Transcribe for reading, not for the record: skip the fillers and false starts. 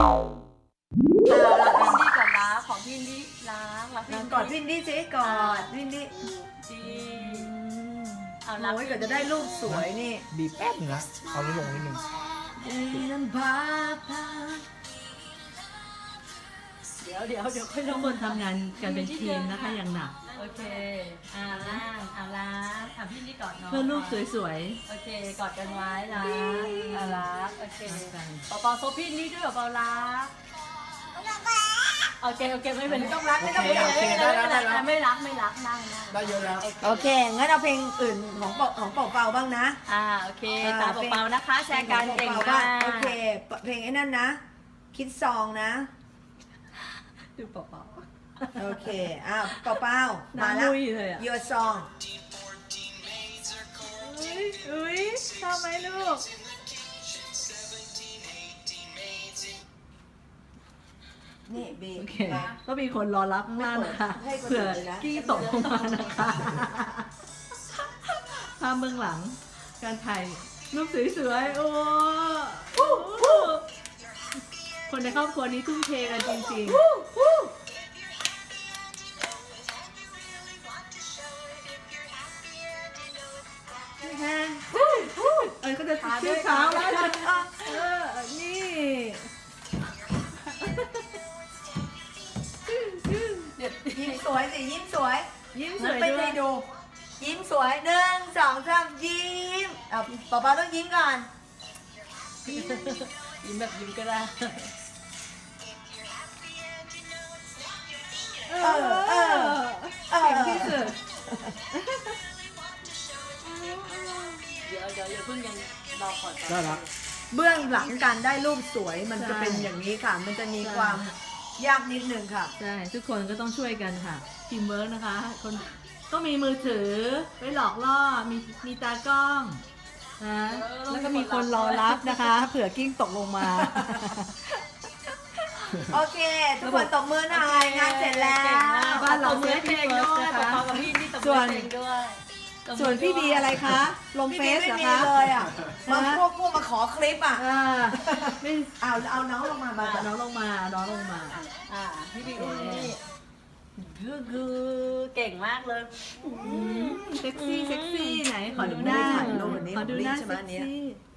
พี่ดีก่อนล้างของพี่ดีล้างแล้วพี่กอดพินดี้สิกอดพินดี้ดีเอาล้างโอ้ยก็จะได้รูปสวยนี่บีบแป๊บนึงนะเอานี้ลงนิดนึงน้ำพาพาเดี๋ยวค่อยลทุกงคนทำงานกันเป็นทีมนะคะอย่างหนักโอเคล้างล้างพี่นี่กอดน้องเพื่อรูปสวยโอเคกอดกันไว้ล้างล้างโอเคๆกันเปาโซพี่นี่ด้วยเปาล้างโอเคไม่เป็นไม่ต้องรักไม่ต้องไม่รักไม่รักนั่งได้เยอะแล้วโอเคงั้นเอาเพลงอื่นของเป่าบ้างนะโอเคตามเปานะคะแชร์กันเก่งมากโอเคเพลงไอ้นั่นนะ คิดซองนะดูเปาโอเคเป่ามาน้ำแล้วมุยเลยอ่ะ Your song อุ้ยชอบไหมลูกนี่บีโอเคก็มีคนรอรับข้างล่างนะคะให้คนอื่เผื่อนเลยนะกี้ตกลงมานะคะภาพเบื้องหลัง การถ่ายรูปสวยๆโอ้คนในครอบครัวนี้ทุ่มเทกันจริงๆ แฮนก็จะชื่อเช้าแล้วนี่ยิ้มสวยสิยิ้มสวยยิ้มสมันวยเป็นด้วไงยดู ยิ้มสวย1 2 3ยิ้มเป่าต้องยิ้มก่อนยิ้มแบบยิ้มก็ได้เก่งที่สุดเดี๋ยวเพิ่งยังรอก่อนได้แล้วเบื้องหลังการได้รูปสวยมันจะเป็นอย่างนี้ค่ะ มันจะมีความยากนิดนึงค่ะใช่ ทุกคนก็ต้องช่วยกันค่ะทีมเวิร์กนะคะ คนก็มีมือถือไว้หลอกล่อมีตากล้องนะแล้วก็มีคนรอรับนะคะ เผื่อกิ้งตกลงมาโอเค ทุกคนตบมือหน่อยงานเสร็จแล้วบ้านเราเมือเพลงด้วยเปากับพี่นี่ตบมือเพลงด้วยส่วนพี่บีอะไรคะ ลงพี่เฟบีซไม่เหรอมีคะเลยมาพวกมาขอคลิปไม่เอาน้องลงมาน้องลงมาน้องลงมาพี่บีนี่คือเก่งมากเลยเซ็กซี่ไหนขอดูหน้าไม่ได้ถ่ายรูปวันนี้ขอดูหน้าใช่ไหมเซ็กอันเนี้ยซี่